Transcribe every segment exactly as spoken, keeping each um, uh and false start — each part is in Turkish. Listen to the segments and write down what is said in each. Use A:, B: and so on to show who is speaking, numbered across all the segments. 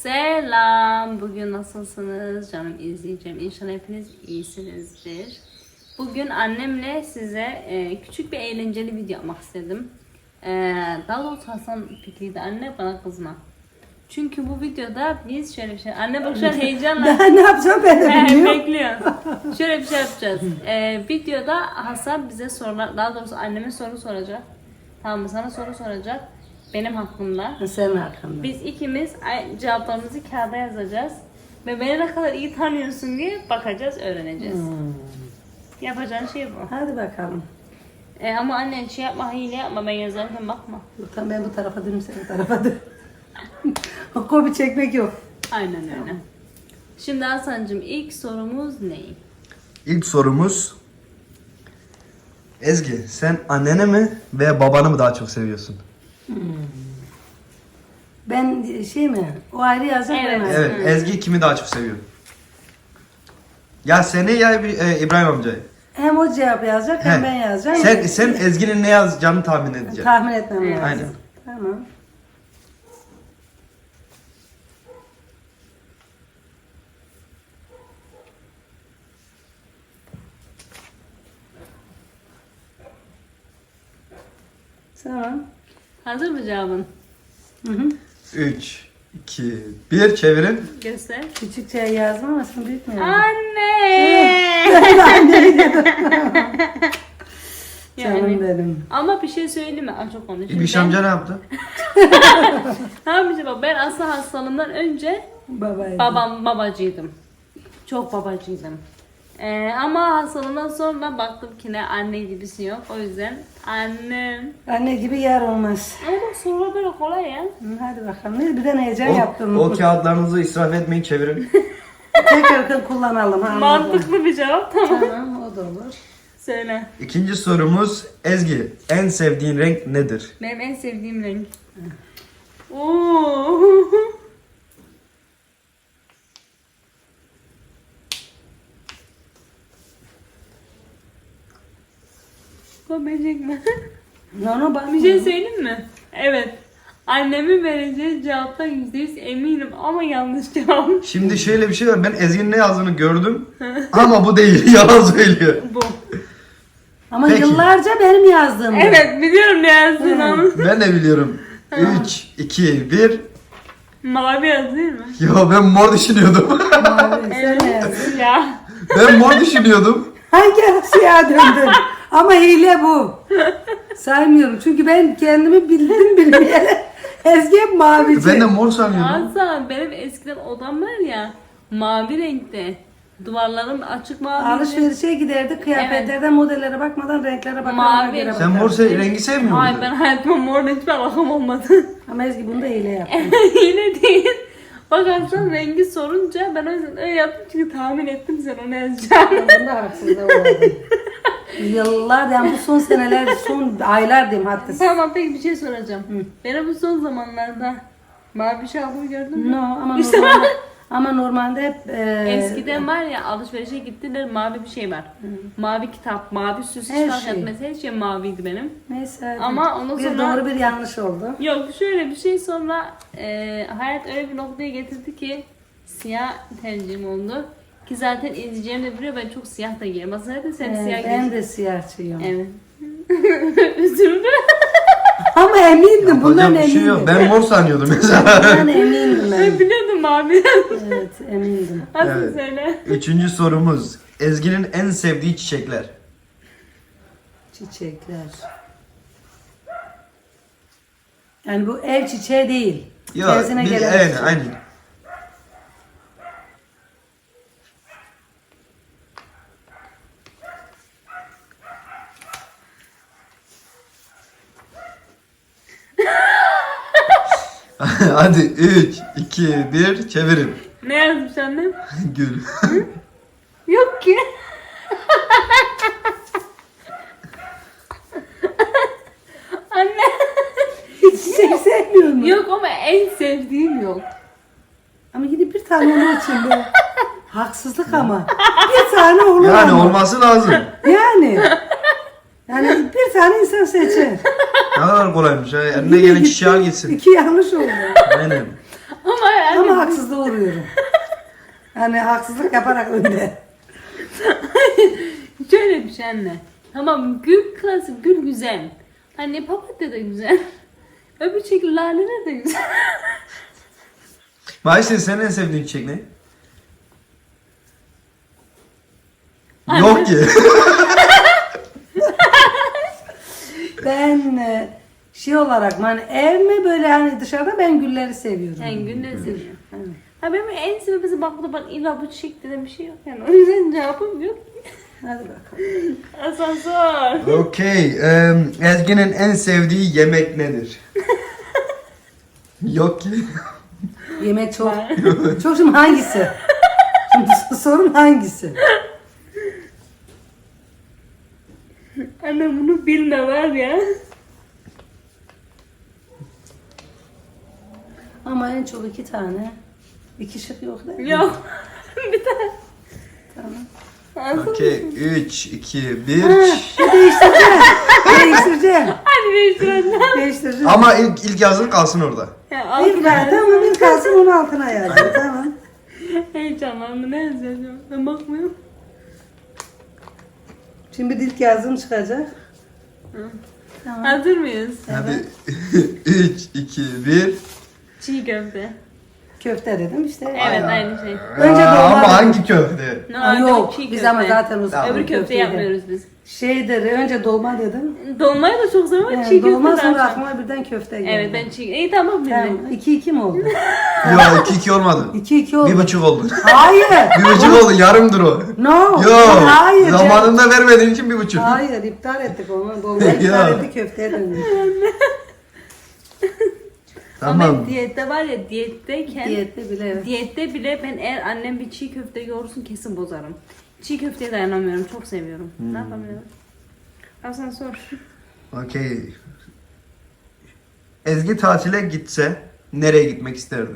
A: Selam. Bugün nasılsınız canım izleyeceğim. İnşallah hepiniz iyisinizdir. Bugün annemle size e, küçük bir eğlenceli video yapmak istedim. E, daha doğrusu Hasan fikriydi. Anne bana kızma. Çünkü bu videoda biz şöyle bir şey... Anne bak şu an heyecanla...
B: Ben ne yapacağım ben de bilmiyorum.
A: Bekliyor. Şöyle bir şey yapacağız. E, videoda Hasan bize sorular... Daha doğrusu anneme soru soracak. Tamam mı? Sana soru soracak. Benim hakkımda.
B: Senin hakkında.
A: Biz ikimiz cevaplarımızı kağıda yazacağız. Ve beni ne kadar iyi tanıyorsun diye bakacağız, öğreneceğiz.
B: Hmm.
A: Yapacağın şey bu.
B: Hadi bakalım.
A: E, ama annen şey yapma, hile yapma, ben yazarken bakma.
B: Tamam, ben bu tarafa dönüm, sen bu tarafa dön. O kopi çekmek yok.
A: Aynen öyle. Şimdi Hasan'cığım ilk sorumuz ne?
C: İlk sorumuz Ezgi, sen annene mi veya babanı mı daha çok seviyorsun?
B: Hmm. Ben şey mi? O ayrı yazacak
A: Evet.
B: ben ayrı.
C: Evet,
A: Hı.
C: Ezgi kimi daha çok seviyor? Ya seni ya e, İbrahim amcayı.
B: Hem o cevap yazacak hem
C: He.
B: ben yazacağım.
C: Sen, sen Ezgi'nin ne yazacağını tahmin edeceksin.
B: Tahmin etmem
A: Evet.
B: lazım.
C: Aynen.
B: Tamam. Tamam.
A: Hazır mı cevabın?
B: Hı hı.
C: üç, iki, bir çevirin.
A: Göster.
B: Küçük şey yazdım ama şimdi büyük mü yazdım?
A: Anne!
B: Canım
A: yani.
B: benim.
A: Ama bir şey söyleyeyim mi? Aa, çok konuşayım.
C: İbiş
A: Ben-
C: amca ne yaptı?
A: Tamam işte bak, ben asıl hastalığımdan önce
B: Babaydı.
A: babam babacıydım. Çok babacıydım. Ee, ama hastalığımdan sonra baktım ki ne anne gibisi yok. O yüzden annem.
B: Anne gibi yer olmaz.
A: Ama bak sorular böyle kolay ya.
B: Hı, hadi bakalım. Ne bir de heyecan
C: O,
B: yaptım.
C: o kağıtlarınızı israf etmeyin, çevirin.
B: Tekrar kullanalım. Ha, anladım.
A: Mantıklı bir cevap, tamam.
B: Tamam, o da olur.
A: Söyle.
C: İkinci sorumuz Ezgi, en sevdiğin renk nedir?
A: Benim en sevdiğim renk. Oo. Kopacak mı?
B: No, no, bak.
A: Bir şey söyleyeyim mi? Evet. Annemin vereceği cevaptan yüzde yüz eminim ama yanlış cevap.
C: Şimdi şöyle bir şey var, ben Ezgi'nin ne yazdığını gördüm ama bu değil, yalan söylüyor.
A: Bu.
B: Ama
C: Peki.
B: yıllarca benim yazdığım. bu.
A: Evet, biliyorum ne yazdığını ama.
C: Ben de biliyorum. üç, iki, bir.
A: Mavi yaz değil mi?
C: Ya ben mor düşünüyordum.
B: Mavi, sen ne yazdın?
A: Ya.
C: Ben mor düşünüyordum.
B: Hangi siyah döndün? Ama hile bu. Saymıyorum çünkü ben kendimi bildim bilmeyeli. Ezgi hep mavici.
C: Ben de mor sanıyordum.
A: Hasan, benim eskiden odam var ya, mavi renkte. Duvarlarım açık mavi.
B: Alışverişe giderdik kıyafetlerden modellere bakmadan renklere bakarak
A: Mavi.
B: göre
C: Sen mor
B: bakardık.
C: se- rengi sevmiyor
A: Hayır,
C: musun?
A: ben hayatıma morla hiçbir alakam olmadı.
B: Ama Ezgi bunu da hile yaptı.
A: Yine değil. Bak Hasan rengi sorunca ben o yüzden öyle yaptım çünkü tahmin ettim sen onu yazacaksın.
B: Bunda haksızlığa uğradım. Yıllar yani bu son seneler, son aylar diyeyim hatta.
A: Tamam, peki bir şey soracağım. Benim bu son zamanlarda mavi şalgımı gördün mü?
B: No ama
A: İşte
B: normalde, ama normalde hep e,
A: Eskiden var ya, alışverişe gittiler, mavi bir şey var. Mavi kitap, mavi süs,
B: Her
A: hiç
B: şey.
A: şey. Her şey maviydi benim.
B: neyse hadi.
A: Ama ondan
B: bir
A: sonra-
B: doğru bir yanlış oldu.
A: Yok, şöyle bir şey sonra e, hayat öyle bir noktaya getirdi ki siyah tercihim oldu. Ki zaten izleyeceğim de biliyor, ben çok siyah da giyerim. Aslında zaten sen
B: Ee,
A: siyah
B: ben
A: giyiyorsun.
B: de siyahçıyım.
A: Evet. Üzüldüm.
B: Ama emindim bundan
C: Yapacak bir şey yok.
B: emindim.
C: Ben mor sanıyordum mesela.
B: Bundan emindim ben.
A: Ben biliyordum mavi.
B: Evet emindim.
A: Nasıl
C: Evet.
A: söyle?
C: Üçüncü sorumuz. Ezgi'nin en sevdiği çiçekler.
B: Çiçekler. Yani bu ev çiçeği değil.
C: Ya,
B: Tersine
C: biz,
B: gelen
C: aynen,
B: çiçek.
C: aynen. Hadi üç, iki, bir çevirin.
A: Ne yazmış annem?
C: Gül.
A: Yok ki. Anne.
B: Hiç çiçek sevmiyor mu?
A: Yok ama en sevdiğim yok.
B: Ama yine bir tane onun için be. Haksızlık ama. Bir tane olur
C: Yani
B: ama.
C: olması lazım.
B: Yani. Yani bir tane insan seçer.
C: Ne kadar kolaymış. Ha. Eline gelen çiçeği al gitsin.
B: İki yanlış oldu.
C: Aynen.
A: Ama hadi.
B: Ama haksızlığa uğruyorum. Hani haksızlık yaparak önde.
A: Şöyle bir şey anne. Tamam gül klasik, gül güzel. Hani papatya da güzel. Öbür şekilde laleler de güzel.
C: Maaşlı senin en sevdiğin çiçek ne?
A: Anne.
C: Yok ki.
B: Ben e, şey olarak hani ev mi böyle hani dışarıda ben gülleri seviyorum.
A: Yani günleri seviyorum. Ha benim en sevdiğim bak burada bak illa bu çiçek dediğim bir şey yok yani. O yüzden cevabım yok.
B: Hadi bakalım.
A: Asansör.
C: Okey. em, Ezgi'nin en sevdiği yemek nedir? Yok ki.
B: Yemek çok. Çok şimdi hangisi? Şimdi sorun hangisi?
A: Anne bunu bilme var ya.
B: Ama en çok iki tane. İki şık yok değil mi?
A: Yok. Bir tane.
B: Tamam.
C: Okey. üç, iki, bir.
B: Ha, değiştireceğim. değiştireceğim.
A: Hadi değiştirelim.
B: Değiştireceğim.
C: Ama ilk, ilk yazın kalsın orada.
A: Ya
B: İlk ver, tamam ilk kalsın onun altına yazdım. Tamam.
A: heyecanlandım. Ne yazacağım? Ben bakmıyorum.
B: Şimdi ilk yazım çıkacak. Tamam.
A: Hazır mıyız?
C: Hadi. üç, iki, bir.
A: Çiğ köfte.
B: Köfte dedim işte.
A: Evet aynı şey.
B: Önce
C: Aa,
B: dolma
C: ama
B: dedim.
C: hangi köfte?
A: No,
B: Aa, yok.
A: çiğ
B: Biz
A: köfte.
B: ama zaten o
C: Tamam.
A: Öbür köfte
B: köfteydi.
A: yapmıyoruz biz.
B: Şeydir önce dolma dedim.
A: Dolmayı da çok seviyorum ama
B: Yani
A: çiğ köfte
B: dolma
A: daha
B: sonra
A: çok.
B: aklıma birden köfte geldi.
A: Evet ben çiğ... İyi tamam bildim.
B: Tamam. iki iki mi oldu?
C: Yok iki iki olmadı.
B: iki iki oldu.
C: Bir buçuk oldu.
B: Hayır.
C: Bir buçuk oldu. Yarımdır o.
B: No.
C: Yok.
B: Hayır. canım.
C: Zamanında vermediğin için bir buçuk.
B: Hayır iptal ettik onu. Dolmayı iptal
C: Ya.
B: ettik köfteye döndük.
A: Ama
C: Tamam.
A: ben diyette var ya diyetteyken
B: Diyette bile evet.
A: diyette bile ben eğer annem bir çiğ köfte yoğursun kesin bozarım. Çiğ köfteye dayanamıyorum. Çok seviyorum.
C: Hmm.
A: Ne yapamıyorum? Asansör.
C: Okey. Ezgi tatile gitse nereye gitmek isterdi?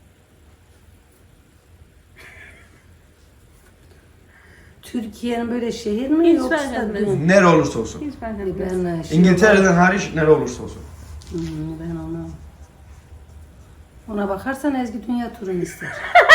B: Türkiye'nin böyle şehir mi
A: Hiç
B: yoksa
A: fark etmez.
B: dünya?
C: Nere olursa olsun.
A: Hiç fark etmez.
B: Ben e, şey
C: İngiltere'den hariç nere olursa olsun.
B: Hmm, ben onu. Ona bakarsan Ezgi dünya turunu ister.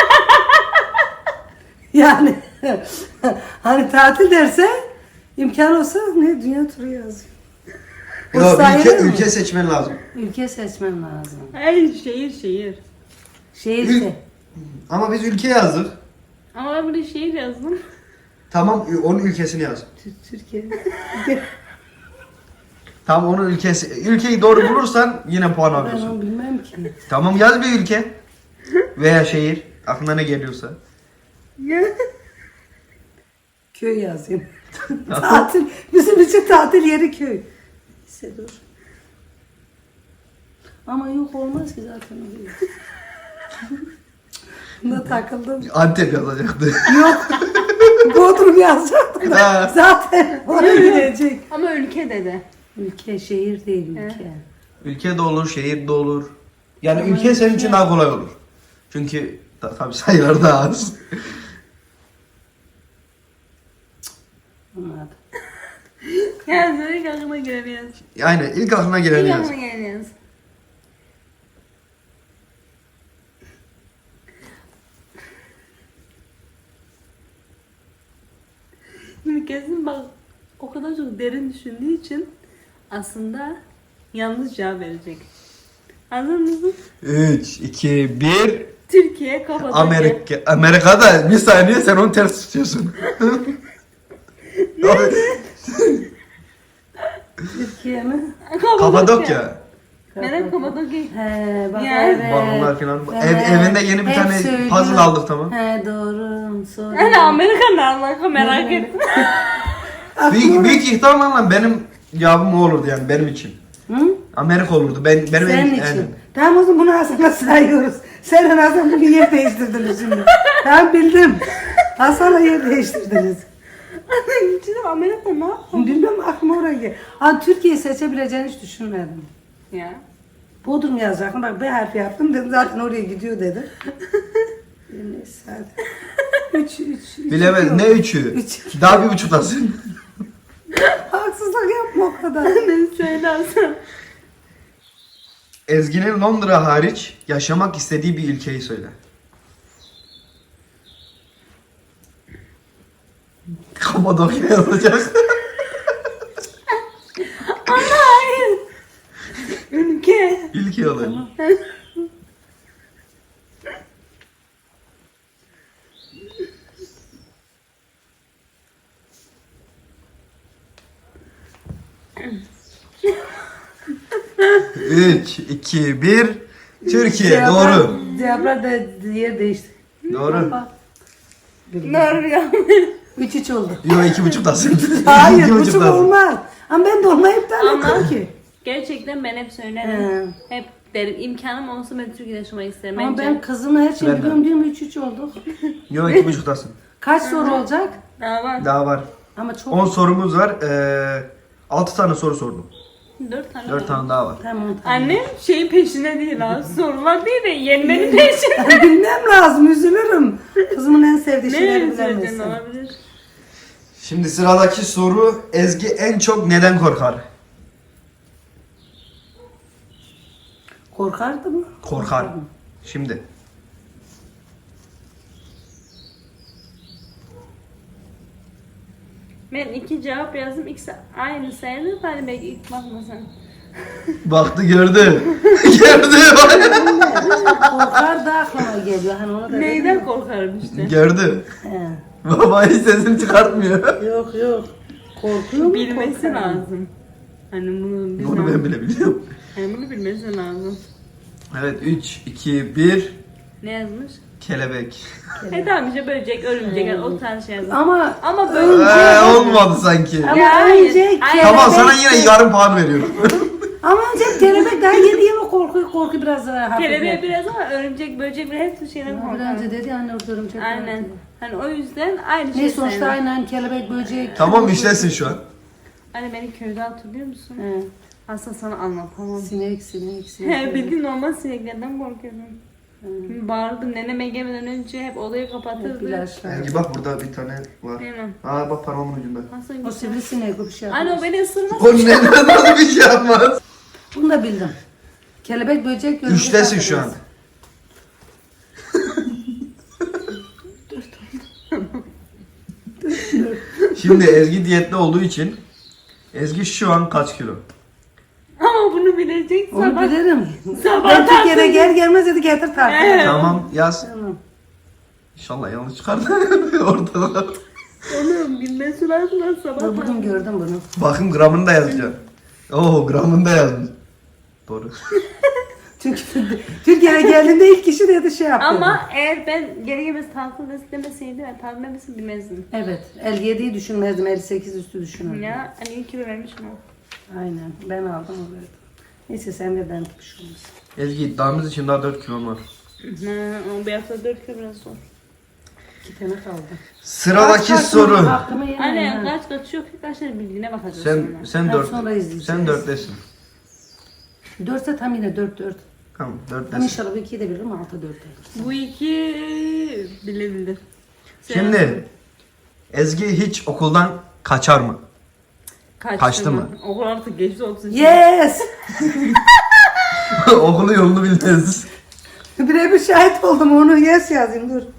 B: yani hani tatil derse imkan olsa ne dünya turu yazıyor. O
C: Yok,
B: sayılır
C: ülke,
B: mı?
C: ülke seçmen lazım.
B: Ülke seçmem lazım.
A: Hayır şehir şehir.
B: Şehirse.
C: Ama biz ülke yazdık.
A: Ama ben buraya şehir yazdım.
C: Tamam onun ülkesini yaz.
B: Tü- Türkiye.
C: Tamam onun ülkesi. Ülkeyi doğru bulursan yine puan
B: ben
C: alıyorsun.
B: onu bilmem ki.
C: Tamam yaz bir ülke. Veya şehir. Aklına ne geliyorsa.
B: Köy yazayım. tatil. Bizim için tatil yeri köy. Neyse dur. Ama yok olmaz ki zaten. Buna takıldım.
C: Antep yazacaktı.
B: Yok. Bodrum yazacaktım.
C: Ha.
B: Zaten oraya gidecek.
A: Ama ülke dedi.
B: Ülke, şehir değil ülke.
C: Ülke de olur, şehir de olur. Yani ülke senin için daha kolay olur. Çünkü ta- tabii sayılar daha az.
B: Anladım.
A: Yani ilk aklına geleni yaz.
C: Yani ilk aklına geleni
A: İlk
C: yaz.
A: aklına geleni yaz. Şimdi kesin bak o kadar çok derin düşündüğü için aslında yanlış cevap verecek. Hazır mısın?
C: üç, iki, bir.
A: Türkiye Kapadokya.
C: Amerika. Amerika'da bir saniye sen onu ters tutuyorsun.
B: Türkiye mi?
C: Kapadokya.
A: Neden Kapadokya?
B: He bak
A: Ya.
B: evet.
C: Balonlar falan.
B: Evet.
C: Ev, evinde yeni bir
B: Hep
C: tane
B: söylüyor.
C: puzzle aldık tamam.
B: He doğru. Sonra.
A: Yani Amerika ne alaka merak ettim.
C: Büyük, büyük ihtimalle benim cevabım o olurdu yani benim için.
B: Hı?
C: Amerika olurdu. Ben benim
B: Senin
C: en-
B: için.
C: yani.
B: Tamam o zaman bunu Hasan'a sayıyoruz. Sen Hasan bugün yer değiştirdiniz şimdi. Tamam bildim. Hasan'la yer değiştirdiniz.
A: İçinde Amerika ne yapalım?
B: Bilmem aklıma oraya gel. Ha Türkiye'yi seçebileceğini hiç düşünmedim.
A: Ya.
B: Bodrum yazacaktım. Bak B harfi yaptım dedim zaten oraya gidiyor dedim. Neyse hadi. Üç, üç, üç.
C: Bilemez ne üçü.
B: Üç.
C: Daha bir buçuktasın.
B: Haksızlık yapma o kadar.
A: Ben söylersem.
C: Ezgi'nin Londra hariç yaşamak istediği bir ülkeyi söyle. Kapadokya olacak.
A: Hayır. Ülke.
C: Ülke olacak. Üç, iki, bir. Türkiye. Doğru.
B: Cevaplar da yer değişti.
C: Doğru.
A: Doğru ya.
B: Üç üç oldu.
C: Yok iki buçuktasın.
B: Hayır
C: İki
B: buçuk
C: buçuktasın.
B: olmaz. Ama ben de olmayıp da
A: Ama
B: anladım ki.
A: gerçekten ben hep söylerim. Hep derim imkanım olsa ben Türkiye'de yaşamayı isterim.
B: Ama
A: Bence-
B: ben kızımla her şeyi
C: Ben de.
B: biliyorum diyorum üç üç oldu.
C: Yok iki buçuktasın.
B: Kaç soru olacak?
A: Daha var.
C: Daha var.
B: Ama çok.
C: On sorumuz var. Ee, altı tane soru sordum.
A: Dört tane
C: Dört
A: var.
C: tane daha var.
B: Tamam tamam.
A: Annem şeyin peşinde değil ha. Sorular değil de yenmenin peşinde.
B: Bilmem lazım üzülürüm. Kızımın en sevdiği
A: Ne
B: şeyleri
A: üzüldün
B: bilemezsin.
A: olabilir?
C: Şimdi sıradaki soru, Ezgi en çok neden korkar?
B: Korkardı mı?
C: Korkar. Şimdi.
A: Ben iki cevap yazdım. İkisi aynı sayılır. Hani belki ilk bakmasan.
C: Baktı gördü. gördü.
B: Korkar da aklıma geliyor. Hani onu da
A: Neyden korkarım işte.
C: gördü.
B: He.
C: Baba hiç sesini çıkartmıyor.
B: Yok yok. Korkuyor mu?
A: Bilmesi
B: Korkar.
A: lazım. Hani bunu
C: Bunu ben bile biliyorum.
A: Hani bunu bilmesi lazım.
C: Evet üç, iki, bir.
A: Ne yazmış?
C: Kelebek.
A: E tamam işte böcek, örümcek yani o tarz şey yazmış.
B: Ama
A: Ama böyle
C: Ee, olmadı sanki.
B: Ama
A: Ya, hayır.
B: önce
A: Hayır.
B: kelebek.
C: Tamam sana yine yarım puan veriyorum.
B: Ama önce kelebek daha yeni yeni korku korku biraz daha hafif.
A: kelebeğe biraz ama örümcek, böcek ve hepsi şeyden
B: Biraz önce
A: korkarım.
B: dedi anne orada örümcek var
A: Aynen.
B: diye.
A: Hani o yüzden aynı şey
B: Ne sonuçta
A: sayılır.
B: aynen kelebek böcek.
C: Tamam işlesin şu an.
A: Hani beni köyde hatırlıyor musun?
B: He.
A: Aslında sana anlatamam.
B: Sinek sinek sinek.
A: He bildiğin normal sineklerden korkuyordum. Bağırdım neneme gelmeden önce hep odayı
B: Hep
A: kapatırdı.
B: ilaçlar.
C: Ezgi bak burada bir tane var.
A: Değil mi?
C: Aa bak parmağımın ucunda.
A: Nasıl
B: O
A: güzel.
B: sivrisinek o bir şey
A: Anne o
B: yapmaz.
A: beni ısırmaz.
C: O ne nasıl bir şey yapmaz.
B: Bunu da bildim. Kelebek böcek örümcek
C: Üçtesin şu an.
B: hatırlarız.
C: Şimdi Ezgi diyette olduğu için Ezgi şu an kaç kilo?
A: Ama bunu bilecek
B: Onu
A: sabah.
B: bilirim.
A: Sabah
B: Ben Türkiye'de
A: tartıldı.
B: gel gelmez dedi getir tartı.
A: Evet.
C: Tamam yaz.
B: Tamam.
C: İnşallah yanlış çıkardı ortada.
A: Oğlum bilmesi lazım lan sabah.
B: Ben bugün gördüm bunu.
C: Bakın gramını da yazacağım. Oo gramını da yazmış. Doğru.
B: Çünkü Türkiye'ye geldiğinde ilk kişi dedi şey yaptı.
A: Ama eğer ben geri gelmesi tatlı demeseydi ben tatlı demesini bilmezdim.
B: Evet. elli yediyi düşünmezdim. elli sekiz üstü düşünürdüm.
A: Ya hani iyi kilo vermişim o.
B: Aynen. Ben aldım o verdim. Neyse sen de ben tutmuş olursun.
C: Ezgi iddiamız için daha dört kilom var.
A: Hı, ama bir hafta dört kilo biraz zor.
B: İki tane kaldı.
C: Sıradaki
B: Kaç kaç
C: soru.
B: Hakkımı yemeyin
A: Anne
B: ha.
A: kaç kaç yok ki kaç tane bildiğine bakacağız
C: Sen
A: sonra.
C: sen
B: Ben
C: dört.
B: sonra izleyeceğiz.
C: Sen dörttesin.
B: Dörtse tam yine dört dört.
C: Tamam
B: Tam
C: dörttesin.
B: inşallah bu ikiyi de bilirim altı dört olur.
A: Bu iki bilebilir. Sen-
C: Şimdi Ezgi hiç okuldan kaçar mı?
A: Kaçtı,
C: kaçtı mı?
A: Okul artık geçti olsun.
B: Yes!
C: Okulu yolunu bilmez.
B: Birebir şahit oldum onu yes yazayım dur.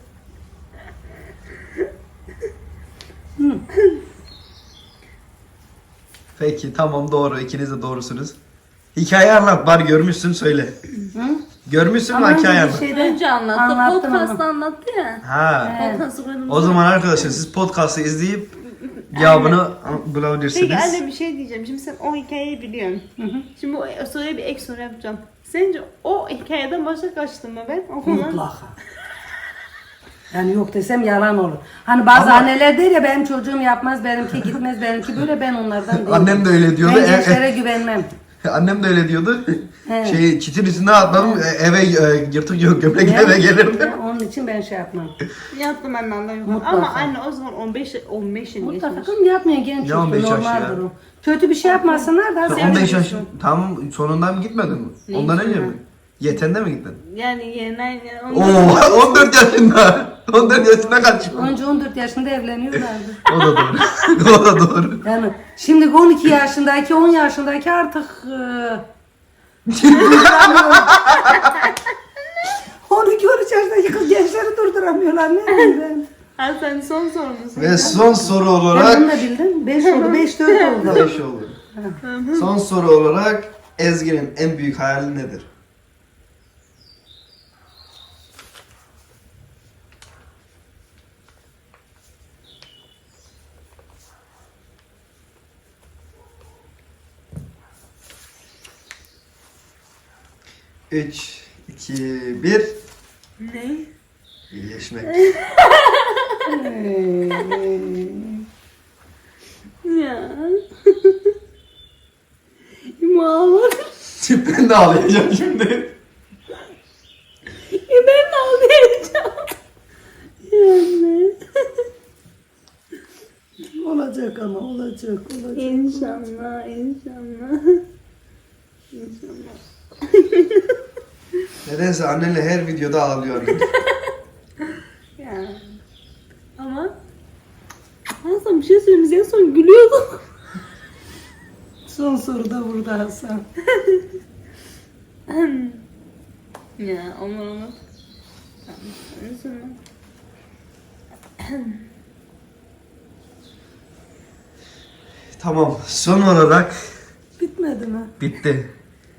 C: Peki tamam doğru. İkiniz de doğrusunuz. Hikaye anlat. Bari görmüşsün söyle.
B: Hı?
C: Görmüşsün mü
B: Ama önce
C: hikaye
B: bir
C: anlat.
B: şey-
A: Önce anlattı.
B: Anlattım
A: Podcast'ta
B: onu.
A: anlattı ya.
C: Ha.
B: Evet.
A: Podcast'ı koydum.
C: O zaman arkadaşlar siz podcast'ı izleyip cevabını bulabilirsiniz.
A: Peki anne bir şey diyeceğim. Şimdi sen o hikayeyi biliyorsun. Şimdi o soruya bir ek soru yapacağım. Sence o hikayeden başka kaçtım mı ben okuldan?
B: Mutlaka. Yani yok desem yalan olur. Hani bazı
C: Ama-
B: anneler der ya benim çocuğum yapmaz, benimki gitmez, benimki böyle ben onlardan değilim.
C: Annem de öyle diyordu.
B: Ben
C: E-
B: gençlere güvenmem.
C: Annem de öyle diyordu.
B: He.
C: Şey çitin üstüne atladım e, eve e, yırtık yok gömlek
B: Ya,
C: eve gelirdi.
B: ya, onun için ben şey yapmam.
A: Yaptım ben annem yok.
B: Mutlaka.
A: Ama anne o zaman on beş on beş yıl
B: Mutlaka
A: geçmiş.
B: kızım yapmıyor genç
C: Ne on
B: çocuk
C: beş yaş
B: normal
C: ya?
B: durum. Kötü bir şey yapmasınlar da
C: Sen
B: sen
C: on beş yaş
A: biliyorsun.
C: tam sonundan mı gitmedin mi?
A: Ne
C: Ondan önce
A: sonra?
C: mi? Yetende mi gittin?
A: Yani yerine
C: Oo on dört yaşında. on dört yaşında kaç?
B: önce on dört yaşında evleniyorlardı.
C: O da doğru. o da doğru.
B: Yani şimdi on iki yaşındaki on yaşındaki artık e, on iki on üç yaşındaki kız gençleri durduramıyorlar. Ne diyeyim ben?
A: Hasan son sorumuzu.
C: Ve son soru
B: Ben
C: olarak
B: bunu da bildim. beş oldu. beş dört oldu.
C: beş oldu. Son soru olarak Ezgi'nin en büyük hayali nedir? Üç, iki, bir.
A: Ne?
C: İyileşmek.
A: Ya. Mağlar.
C: Ben de ağlayacağım şimdi.
A: Ya ben de ağlayacağım. Yani.
B: Olacak ama olacak olacak.
A: İnşallah, inşallah. İnşallah.
C: Nedense annenle her videoda ağlıyor annem.
A: Ya. Ama Hasan bir şey söyleyeyim. En son gülüyorduk.
B: Son soru da burada Hasan.
A: Ya olur olur. Tamam. En son.
C: Tamam, son olarak
B: Bitmedi mi?
C: bitti.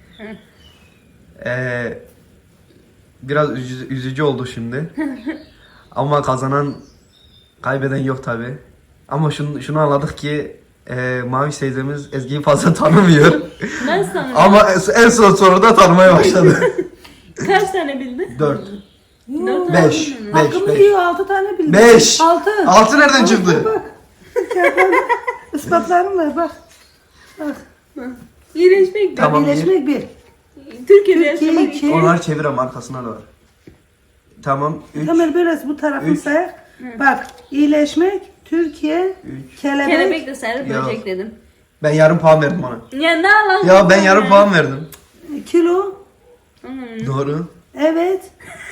C: Ee, biraz üzü- üzücü oldu şimdi. Ama kazanan, kaybeden yok tabi. Ama şunu, şunu anladık ki e, Mavi teyzemiz Ezgi'yi fazla tanımıyor.
A: Ben sana
C: Ama en son soruda tanımaya başladı.
A: kaç tane bildin?
C: Dört.
A: Dört tane
C: Beş.
A: bildin mi?
C: Beş.
B: Hakkımı yiyor altı tane bildim.
C: Beş.
B: Altı.
C: Altı nereden çıktı?
B: Bak. Bak. Ispatlarım var bak. Bak.
A: İyileşmek de.
C: Tamam.
B: Birleşmek bir.
A: Türkiye'de
B: Türkiye
A: yaşamak
B: iki.
C: Onları çevir ama arkasına da var. Tamam. Üç.
B: Kamera biraz bu tarafını
C: Üç.
B: say. Bak iyileşmek, Türkiye,
C: Üç.
B: kelebek.
A: kelebek de sarı
C: Ya.
A: böcek dedim.
C: Ben yarım puan verdim ona.
A: Ya ne alakası
C: Ya ben
A: var
C: yarım puan verdim.
B: Kilo.
A: Hmm.
C: Doğru.
B: Evet.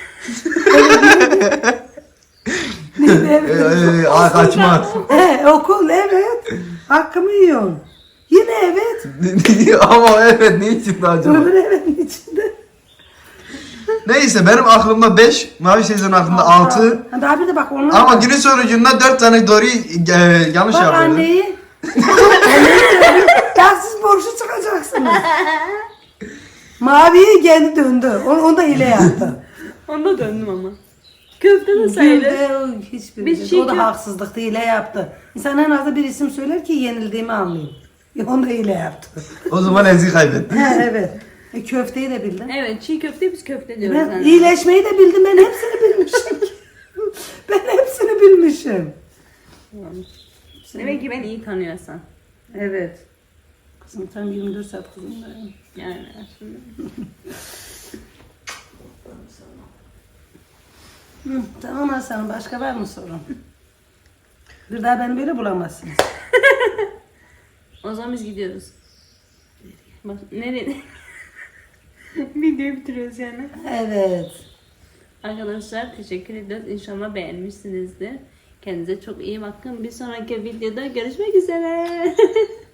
C: Ee, e, aa, kaçmaz.
B: He, okul evet. Hakkımı yiyorsun. Yine evet.
C: Ama evet ne için acaba?
B: Öbür evetin içinde.
C: Neyse benim aklımda beş, Mavi teyzenin aklında altı.
B: Ha, daha bir de bak onlar.
C: Ama günün sonucunda dört tane doğruyu e, yanlış
B: Bak
C: yapıyordu.
B: anneyi. Anneyi söylüyor. Ya siz borçlu çıkacaksınız. Maviye kendi döndü. Onu, onu da hile yaptı.
A: Onda döndüm ama. Köfte de sayılır.
B: Gülde o hiçbir
A: Biz
B: şey.
A: çiğ
B: O da
A: kö-
B: haksızlıktı, hile yaptı. İnsan en azı bir isim söyler ki yenildiğimi anlayayım. Ya, onu da hile yaptı.
C: O zaman Ezgi kaybetti.
B: He, evet. E, köfteyi de bildin.
A: Evet çiğ köfte biz köfte diyoruz.
B: Ben
A: yani.
B: iyileşmeyi de bildim. Ben hepsini bilmişim. Ben hepsini bilmişim.
A: Demek ki ben iyi tanıyorsan.
B: Evet. Kızım tam yirmi dört saat kızımdayım.
A: Yani aslında.
B: Hı, tamam Hasan, başka var mı sorun? Bir daha beni böyle bulamazsınız.
A: O zaman biz gidiyoruz. Bak nereye? Videoyu bitiriyoruz yani.
B: Evet.
A: Arkadaşlar teşekkür ediyoruz. İnşallah beğenmişsinizdir. Kendinize çok iyi bakın. Bir sonraki videoda görüşmek üzere.